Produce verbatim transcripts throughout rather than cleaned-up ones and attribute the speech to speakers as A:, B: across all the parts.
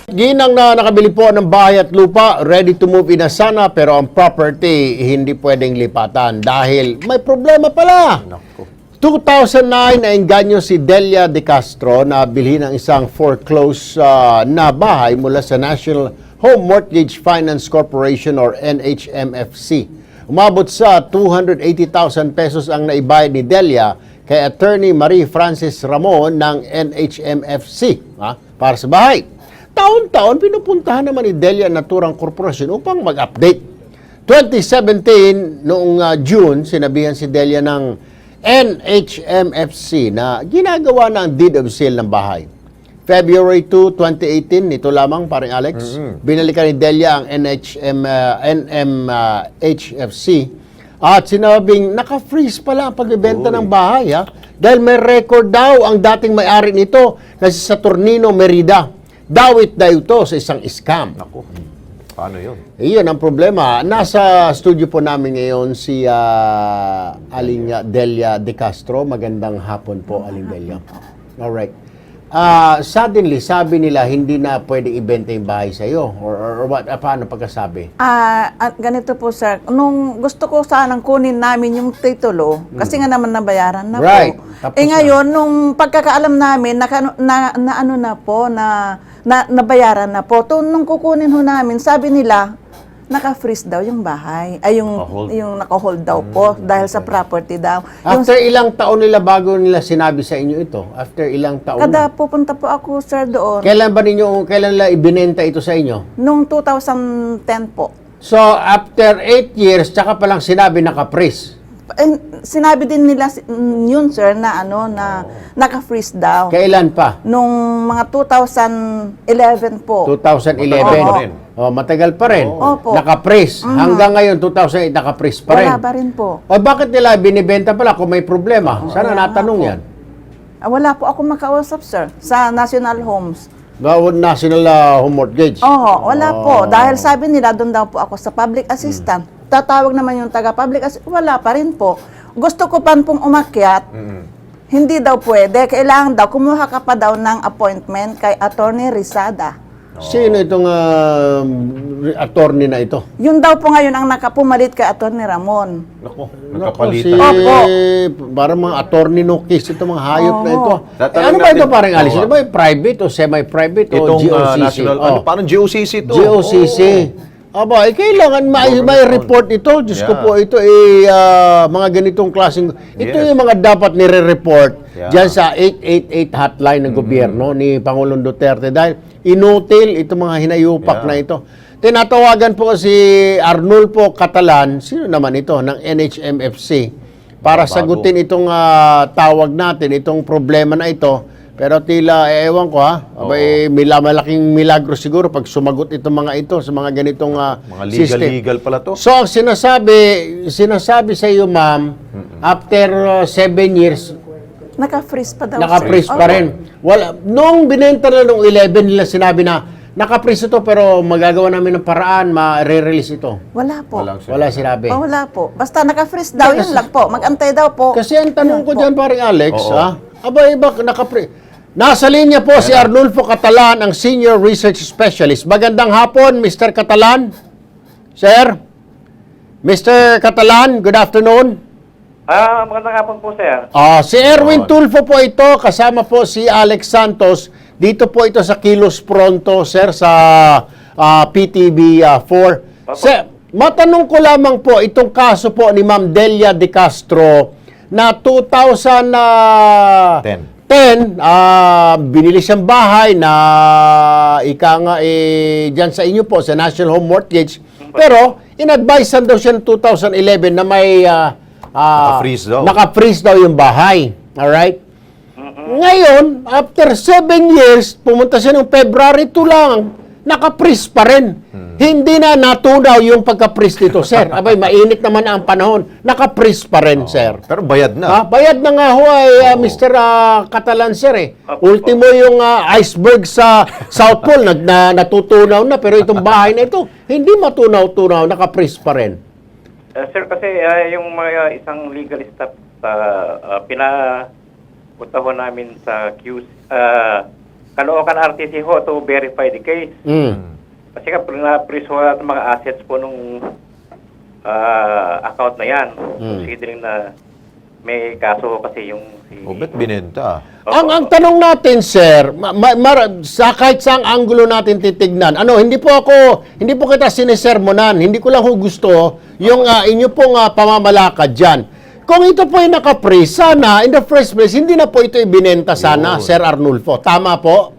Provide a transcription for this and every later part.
A: Ginang na nakabili po ng bahay at lupa, ready to move in na sana, pero ang property hindi pwedeng lipatan dahil may problema pala. two thousand nine, naengganyo si Delia De Castro na bilhin ng isang foreclosed uh, na bahay mula sa National Home Mortgage Finance Corporation or N H M F C. Umabot sa two hundred eighty thousand pesos ang naibayad ni Delia kay Attorney Marie Francis Ramon ng N H M F C ha, para sa bahay. Taon-taon, pinupuntahan naman ni Delia Naturang Corporation upang mag-update. twenty seventeen, noong uh, June, sinabihan si Delia ng N H M F C na ginagawa na ang deed of sale ng bahay. February two, twenty eighteen, nito lamang, paring Alex, mm-hmm. binalikan ni Delia ang N H M, uh, N M H F C at sinabing naka-freeze pala ang pagbibenta ng bahay ha? Dahil may record daw ang dating may-ari nito na si Saturnino Merida. Dawit daw ito sa isang scam.
B: Naku, paano yun?
A: Iyon ang problema. Nasa studio po namin ngayon si uh, Aling Delia De Castro. Magandang hapon po, Aling Delia. Alright. Uh, suddenly, sabi nila hindi na pwedeng ibenta yung bahay sa iyo. Or, or, or what? Uh, paano pagkasabi?
C: Ah, uh, ganito po sir. Nung gusto ko sanang kunin namin yung titulo, hmm. kasi nga naman nabayaran na
A: right.
C: po.
A: Tapos
C: eh ngayon, na. nung pagkakaalam namin, naka, na, na ano na po, na Na, nabayaran na po. To, nung kukunin ho namin, sabi nila, naka-freeze daw yung bahay. Ay, yung, yung naka-hold daw po, mm, dahil okay. sa property daw.
A: After
C: yung,
A: ilang taon nila bago nila sinabi sa inyo ito? After ilang taon?
C: Kada pupunta po ako, sir, doon.
A: Kailan ba ninyo, kailan nila ibinenta ito sa inyo?
C: Nung two thousand ten po.
A: So, after eight years, tsaka palang sinabi naka-freeze?
C: Eh, sinabi din nila yun, sir, na ano, na oh. naka-freeze daw.
A: Kailan pa?
C: Nung mga two thousand eleven po.
A: two thousand eleven. Oh, matagal pa rin.
C: Oh. Opo.
A: Naka-freeze. Mm-hmm. Hanggang ngayon, two thousand eight, naka-freeze pa rin.
C: Wala pa rin po.
A: O bakit nila binibenta pala kung may problema? Oh, sana natanong yan.
C: Ah, wala po ako makausap, sir, sa National Homes.
A: National uh, Home Mortgage?
C: Oo, wala oh. po. Dahil sabi nila, doon daw po ako sa public assistant. Hmm. Tatawag naman yung taga-public assistant. Wala pa rin po. Gusto ko pa pong umakyat. Mm-hmm. Hindi daw pwede. Kailangan daw, kumuha ka pa daw ng appointment kay Attorney Rizada.
A: Oh. Sino itong uh, attorney na ito?
C: Yun daw po ngayon ang nakapumalit kay Attorney Ramon.
B: Naku, nagkapalitan.
A: Si, Opo. Parang mga attorney no case, itong mga hayop oh. na ito. Eh, ano ba ito parang Alice? Ito ba private o semi-private o G O C C?
B: Uh, national, oh. ano, parang G O C C ito.
A: G O C C. Oh. Aba, eh, kailangan may, may report ito. Diyos yeah. ko po, ito eh, uh, mga ganitong klaseng, ito yes. yung mga dapat nire-report yeah. dyan sa eight eight eight hotline ng mm-hmm. gobyerno ni Pangulong Duterte. Dahil inutil itong mga hinayupak yeah. na ito. Tinatawagan po si Arnulfo Catalan, sino naman ito, ng N H M F C, para Bago. sagutin itong uh, tawag natin, itong problema na ito. Pero tila, eh, ewan ko ha, abay, mila, malaking milagro siguro pag sumagot itong mga ito sa mga ganitong uh,
B: mga legal,
A: system.
B: legal pala to.
A: So, ang sinasabi, sinasabi sa iyo, ma'am, mm-hmm. after uh, seven years,
C: naka-freeze pa daw.
A: Naka-freeze pa rin. Wala, nung binenta na nung eleven nila, sinabi na, naka-freeze ito pero magagawa namin ng paraan, ma-re-release ito.
C: Wala po.
A: Wala, Wala sinabi.
C: Oh, wala po. Basta naka-freeze daw, yun lang po. Mag-antay daw po.
A: Kasi ang tanong ko dyan, paring Alex,
B: Oo.
A: ha? Aba, iba, naka-freeze. Nasa linya po si Arnulfo Catalan, ang Senior Research Specialist. Magandang hapon, Mister Catalan. Sir? Mister Catalan, good afternoon.
D: Ah, magandang hapon po, sir.
A: Ah, si Erwin Tulfo po ito, kasama po si Alex Santos. Dito po ito sa Kilos Pronto, sir, sa uh, P T V four. Uh, sir, matanong ko lamang po itong kaso po ni Ma'am Delia De Castro na two thousand ten, uh, binili siyang bahay na ika nga eh, dyan sa inyo po, sa National Home Mortgage. Pero, in-advisean daw siya ng two thousand eleven na may uh, uh,
B: naka-freeze daw.
A: Naka-freeze daw yung bahay. Alright? Mm-hmm. Ngayon, after seven years, pumunta siya ng February two lang, naka-freeze pa rin. Hmm. Hindi na natunaw yung pagka-freeze dito, sir. Abay, mainit naman ang panahon. Naka-freeze pa rin, oh, sir.
B: Pero bayad na.
A: Ha? Bayad na nga ho ay uh, Mister Uh, Catalan, sir eh. Ultimo yung uh, iceberg sa South Pole, nag, na, natutunaw na. Pero itong bahay na ito, hindi matunaw-tunaw, naka-freeze pa rin.
D: Uh, sir, kasi uh, yung mga isang legal staff sa uh, pinapunta ho namin sa Q C, uh, Caloocan R T C ho to verify the case.
A: Mm.
D: Kasi ka, na-freeze ho natin mga assets po nung ah, account na yan. Considering na may kaso ho kasi yung si...
B: O, bet binenta?
D: Opo.
A: Ang ang tanong natin, sir, ma, ma, mar- sa kahit saang anggulo natin titignan. Ano, hindi po ako, hindi po kita sinisermonan. Hindi ko lang ho gusto yung ah, inyo pong ah, pamamalakad diyan. Kung ito po ay naka-freeze, sana in the first place hindi na po ito ibinenta sana,
B: Yun.
A: Sir Arnulfo. Tama po?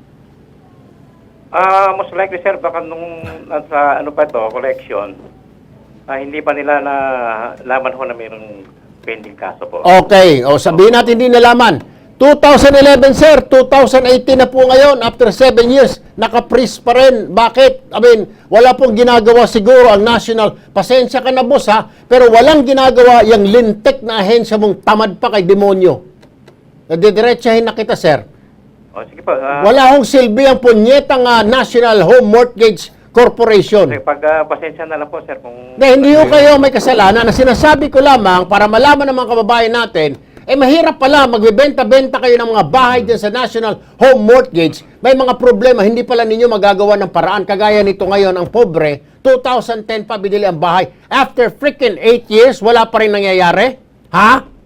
D: Ah, most likely sir, baka nung nasa ano pa to, collection, ah, hindi pa nila na laman ho na mayroong pending kaso po.
A: Okay, o sabihin natin hindi nalaman. two thousand eleven, sir, two thousand eighteen na po ngayon, after seven years, naka-freeze pa rin. Bakit? I mean, wala pong ginagawa siguro ang national. Pasensya ka na, boss, ha? Pero walang ginagawa yung lintek na ahensya mong tamad pa kay demonyo. Nadidiretsahin na kita, sir.
D: O sige po. ah,
A: Wala hong silbi ang punyetang ah, National Home Mortgage Corporation.
D: sige, pag ah, pasensya na lang po sir kung...
A: Na hindi ho kayo may kasalanan. Na sinasabi ko lamang para malaman ng mga kababayan natin, eh mahirap pala magbebenta-benta kayo ng mga bahay dyan sa National Home Mortgage. May mga problema, hindi pala ninyo magagawa ng paraan. Kagaya nito ngayon, ang pobre, two thousand ten pa binili ang bahay. After freaking eight years, wala pa rin nangyayari? Ha?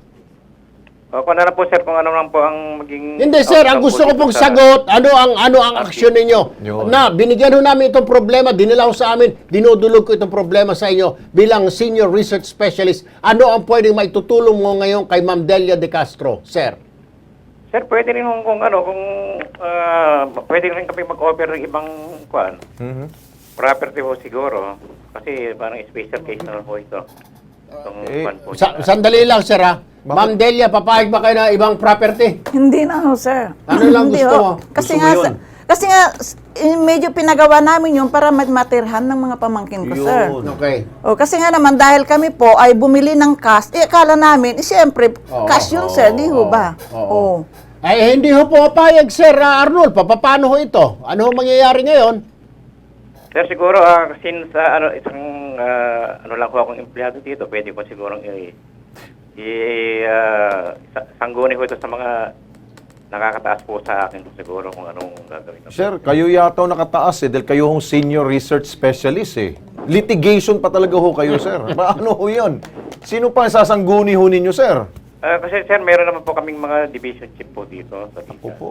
D: O, kung ano na po sir, kung ano lang po ang maging...
A: Hindi sir, ang gusto ko pong sagot, ano ang ano ang aksyon ninyo?
B: Yun.
A: Na binigyan ho namin itong problema, dinala ho sa amin, dinudulog ko itong problema sa inyo bilang senior research specialist. Ano ang pwedeng maitutulong mo ngayon kay Ma'am Delia De Castro, sir?
D: Sir, pwede rin kung, kung ano, kung... ah, pwede rin kami mag-offer ng ibang kuan,
B: Mhm.
D: property ho siguro. Kasi parang special case na ho ito. Itong
B: Eh,
D: kuan po
A: Sa,
D: nila.
A: sandali lang sir ha. Ma'am Delia, papayag ba kayo na ibang property?
C: Hindi na ho, sir.
A: Ano lang
C: Hindi
A: gusto
C: ho.
A: mo?
C: Kasi
B: Gusto mo
C: nga,
B: yun?
C: sir, kasi nga, s- eh, medyo pinagawa namin yun para matirhan ng mga pamangkin ko, sir.
B: Yun.
A: Okay.
C: O, kasi nga naman, dahil kami po ay bumili ng cash, eh, akala namin, eh, siyempre,
A: Oo,
C: cash yun,
A: oo,
C: sir, di ho
A: oo,
C: ba?
A: oo.
C: Oo.
A: Ay, hindi ho pumapayag, Sir ah, Arnold. Pa, paano ho ito? Ano ho mangyayari ngayon?
D: Sir, siguro, ah, since ah, ano, isang, ah, ano lang ho akong empleyado dito, pwede ko siguro i, i ah, sa- sangguni ho ito sa mga nakakataas po sa akin siguro kung anong gagawin. ko.
B: Sir, kayo yata ang nakataas eh, dahil kayo hong senior research specialist eh. Litigation pa talaga ho kayo, sir. Paano ho yun? Sino pa ang sasangguni ho ninyo, sir?
D: Ah, kasi sir, meron naman po kaming mga division chief po dito sa
B: Ako
D: Visa.
B: po.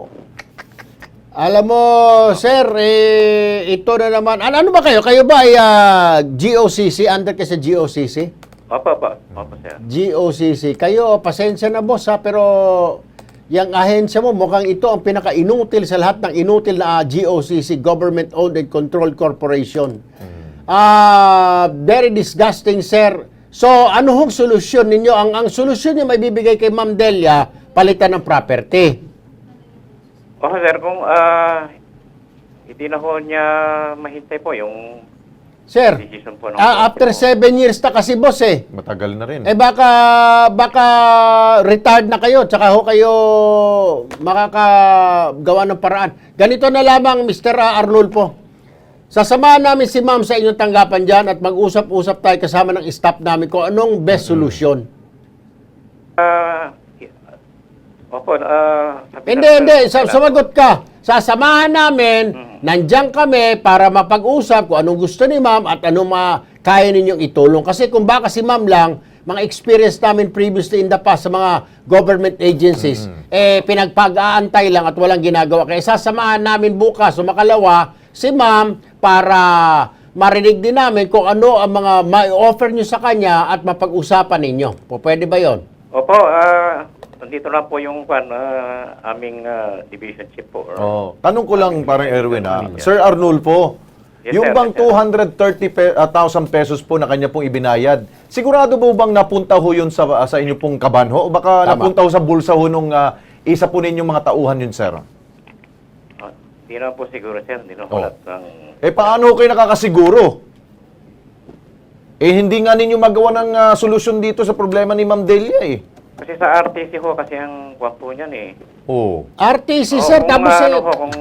A: Alam mo, sir, eh, ito na naman. Ano, ano ba kayo? Kayo ba ay ah, G O C C? Under ka sa G O C C?
D: Opo, opo. Opo, sir.
A: G O C C. Kayo, pasensya na boss ha, pero yung ahensya mo, mukhang ito ang pinaka-inutil sa lahat ng inutil na ah, G O C C, Government Owned and Controlled Corporation. Ah, very disgusting, sir. So, ano hong solusyon ninyo? Ang ang solusyon niyo may bibigay kay Ma'am Delia, palitan ng property.
D: Oh, sir, kung ah, hindi na ho niya mahintay po yung
A: Sir,
D: decision po ng
A: ah, after
D: Corte po.
A: seven years na kasi boss eh.
B: Matagal na rin.
A: Eh baka baka retired na kayo tsaka ho kayo makakagawa ng paraan. Ganito na lamang Mister Arnulfo. Sasamahan namin si Ma'am sa inyong tanggapan diyan at mag-usap-usap tayo kasama ng staff namin kung anong best solution.
D: Ah, opo, ah, sabi
A: Hindi,
D: na-
A: hindi. Sa,
D: kailangan-
A: sumagot ka. Sasamahan namin, nandiyan kami para mapag-usap kung anong gusto ni ma'am at anong ma kaya ninyong itulong. Kasi kung baka si ma'am lang, mga experience namin previously in the past sa mga government agencies, eh pinagpag-aantay lang at walang ginagawa. Kaya sasamahan namin bukas o makalawa si ma'am para marinig din namin kung ano ang mga ma-offer nyo sa kanya at mapag-usapan ninyo. Po, pwede ba yon?
D: Opo, ah, nandito na po yung kwan, ah, aming ah, division chief po. or-
B: Oh. Tanong ko lang, parang Erwin ha. Sir Arnulfo,
D: Yes,
B: yung
D: sir.
B: bang
D: Yes, sir.
B: two hundred thirty thousand pesos po na kanya pong ibinayad, sigurado po bang napunta ho yun sa, sa inyo pong kabanho? O baka
A: Tama.
B: napunta ho sa bulsa ho nung ah, isa po ninyong mga tauhan yun, sir?
D: Ah, Hindi na po siguro, sir. Hindi na
B: Oh.
D: po lahat ng...
B: Eh paano ho kayo nakakasiguro? Eh hindi nga ninyo magawa ng ah, solusyon dito sa problema ni Ma'am Delia eh.
D: Kasi sa R T C ho, kasi ang kwan po niyan eh.
B: Oh.
A: R T C,
D: Oo,
A: sir,
D: kung,
A: tapos
D: ah,
A: eh,
D: ano ho, kung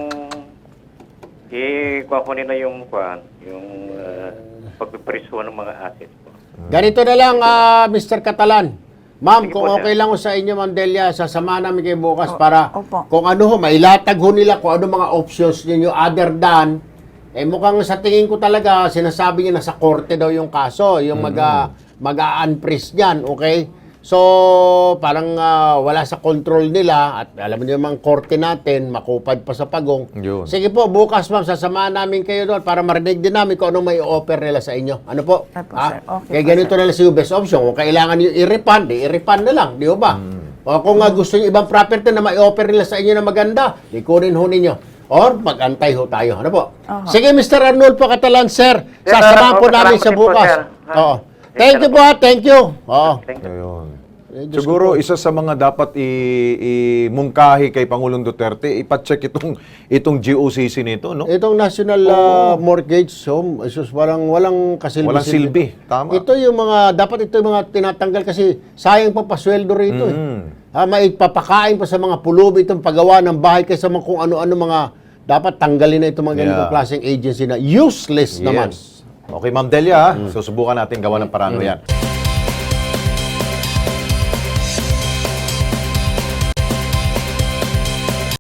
D: i-kwan po nila yung kwan, yung uh, pagpipreso ng mga assets po.
A: ganito na lang, ah, Mister Catalan. Ma'am,
D: Sige
A: kung
D: po, sir.
A: okay lang ho sa inyo, Ma'am Delia, sasama namin kayo bukas para
C: opo.
A: kung ano ho, mailatag ho nila kung ano mga options ninyo other than, eh mukhang sa tingin ko talaga, sinasabi niya nasa korte daw yung kaso, yung mag, ah, mag-a-unfreeze niyan, okay? So, parang ah, wala sa control nila at alam niyo naman korte natin, makupad pa sa pagong.
B: Yun.
A: Sige po, bukas ma'am, sasamahan namin kayo doon para marinig din namin kung anong may offer nila sa inyo. Ano po?
C: Ay po,
A: Ha?
C: sir. Okay
A: Kaya
C: po,
A: ganito na lang sa best option. Kung kailangan nyo i-refund, i-refund na lang. Di ba ba? O kung nga gusto nyo ibang property na may offer nila sa inyo na maganda, di kunin ho ninyo. Or mag-antay ho tayo. Ano po?
C: Aha.
A: Sige, Mister Arnulfo Catalan, sir.
D: Sir,
A: Sasamahan po
D: okay,
A: namin
D: salamat
A: sa
D: din po,
A: bukas.
D: sir. Ha?
A: Oo.
D: Sir,
A: Thank you po, ha. Thank you. Oo.
D: Thank you.
B: Ayun.
A: Eh, Diyos
B: Siguro
A: ko po.
B: isa sa mga dapat i- imungkahi kay Pangulong Duterte, ipacheck itong itong G O C C nito, no?
A: Itong National uh, Mortgage Home, isus parang walang kasilbi.
B: Walang silbi. Tama.
A: Ito yung mga, dapat ito yung mga tinatanggal kasi sayang pa pasweldo rito.
B: Mm.
A: Eh. Ah, may papakain pa sa mga pulubi itong paggawa ng bahay kaysa mga kung ano-ano mga dapat tanggalin na itong mga ganitong
B: Yeah.
A: klaseng agency na useless naman.
B: Yes. Okay, Ma'am Delia, ha? Susubukan natin gawa ng paraan yan.